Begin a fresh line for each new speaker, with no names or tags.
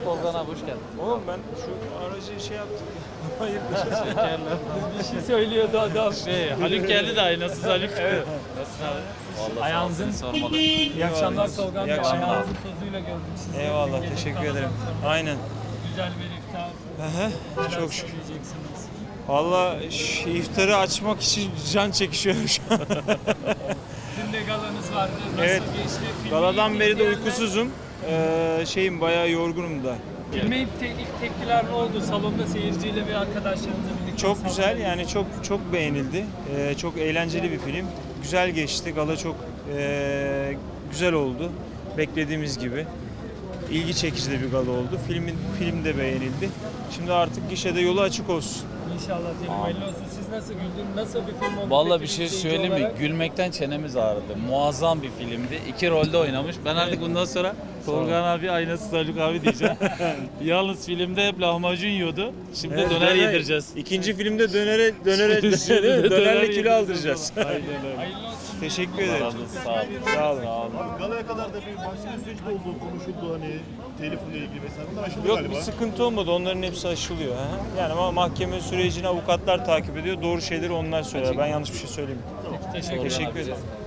Tolga abi hoş geldin.
Oğlum ben şu aracı şey yaptık. Hayırdır?
Şekerler.
Bir şey söylüyordu adam.
Haluk geldi de aynasız Haluk. Evet. Nasılsın abi? Vallahi
Ayağınızın-
sağ olsun, sormalı.
İyi akşamlar Tolga Bey.
İyi akşamlar.
Ayağınızın tozuyla gördük sizi.
Eyvallah,
Gece
teşekkür
kavgadan
ederim.
sonra
Aynen.
Güzel bir iftar.
Aha, çok şükür.
Söyleyeceksiniz.
Valla iftarı açmak için can çekişiyorum şu an.
Dün de galanız vardı. Nasıl
Evet.
geçti? Filmi
Galadan beri de
izleyenler-
uykusuzum. Şeyim bayağı yorgunum da.
Filme ilk tepkiler ne oldu? Salonda seyirciyle ve arkadaşlarınızla birlikte.
Çok güzel yani çok beğenildi. Çok eğlenceli bir film. Güzel geçti. Gala çok güzel oldu. Beklediğimiz gibi. İlgi çekici de bir gala oldu. Film de beğenildi. Şimdi artık gişede yolu açık olsun.
İnşallah film hayırlı olsun. Siz nasıl güldün? Nasıl bir film oldu?
Vallahi
peki
bir şey
izleyici
söyleyeyim mi?
olarak?
Gülmekten çenemiz ağrıdı. Muazzam bir filmdi. 2 rolde oynamış. Ben artık bundan sonra Tolga abi aynasız Haluk abi diyeceğim. Yalnız filmde hep lahmacun yiyordu. Şimdi döner yedireceğiz.
İkinci filmde dönerle
Döner
kilo
yedireceğiz.
aldıracağız.
Aynen öyle.
Hayırlı olsun.
Teşekkür
Allah
ederim.
razı olsun. Sağ olun.
Sağ olun.
Abi galaya kadar da bir başka süreçte olduğu konuşuldu hani telefonla ilgili vesaire. Bunlar aşıldı
Yok
galiba.
bir sıkıntı olmadı. Onların hepsi aşılıyor. Ha? Yani ama mahkeme sürecini avukatlar takip ediyor. Doğru şeyleri onlar söylüyor. Ben yanlış bir şey söyleyeyim.
Teşekkür ederim.
Teşekkür ederim.